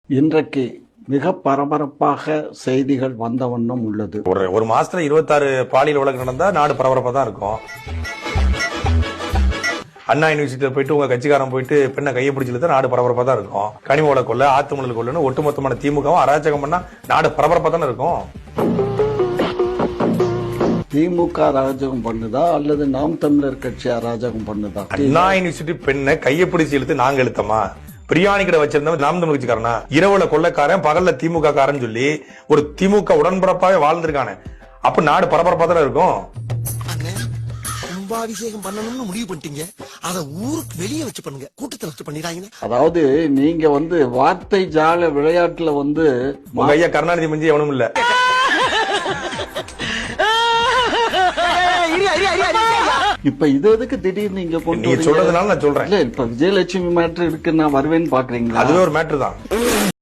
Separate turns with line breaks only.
இன்றைக்கு மிக பரபரப்பாக செய்திகள் வந்த வண்ணம் உள்ளது.
ஒரு மாசத்துல 26 பாலியல் வழக்கு நடந்தா நாடு பரபரப்பா தான் இருக்கும். அண்ணா யூனிவர்சிட்டியில போயிட்டு உங்க கட்சிக்காரன் போயிட்டு பெண்ணை கையை பிடிச்சிட்டு நாடு பரபரப்பா தான் இருக்கும். கனிம வள கொள்ள, ஆத்துமணல் கொள்ளன்னு ஒட்டுமொத்தமான திமுகவும் அராஜகம் பண்ணா நாடு பரபரப்பா தானே இருக்கும்.
திமுக அராஜகம் பண்ணுதா அல்லது நாம் தமிழர் கட்சி அராஜகம் பண்ணுதா?
அண்ணா யூனிவர்சிட்டி பெண்ணை கையை பிடிச்சி இழுத்து நாங்க இழுத்தமா? பிரியாணி கடை வச்சிருந்தவன் நாம் தமிழ் கட்சிக்காரனா? இரவுல கொள்ளக்காரன், பகல்ல திமுக காரன் சொல்லி ஒரு திமுக உடன்பரப்பாவே வாழ்ந்திருக்கானே. அப்ப நாடு பரபரப்பா தானே இருக்கும்.
கும்பாபிஷேகம் பண்ணணும்னு முடிவு பண்ணிட்டீங்க, அத ஊருக்கு வெளியே வச்சு பண்ணுங்க, கூட்டத்தில் வச்சு பண்ணிடாங்க.
அதாவது நீங்க வார்த்தை ஜால விளையாட்டுல
ஐயா கருணாநிதி மஞ்சி எவனும் இல்ல.
இப்ப இது எதுக்கு திடீர்னு நீங்க கொண்டு
சொல்றதுனால நான் சொல்றேன்.
இல்ல இப்ப விஜயலட்சுமி மேட்ரு இருக்கு, நான் வருவேன்னு பாக்குறீங்களா?
அதுவே ஒரு மேட்ரு தான்.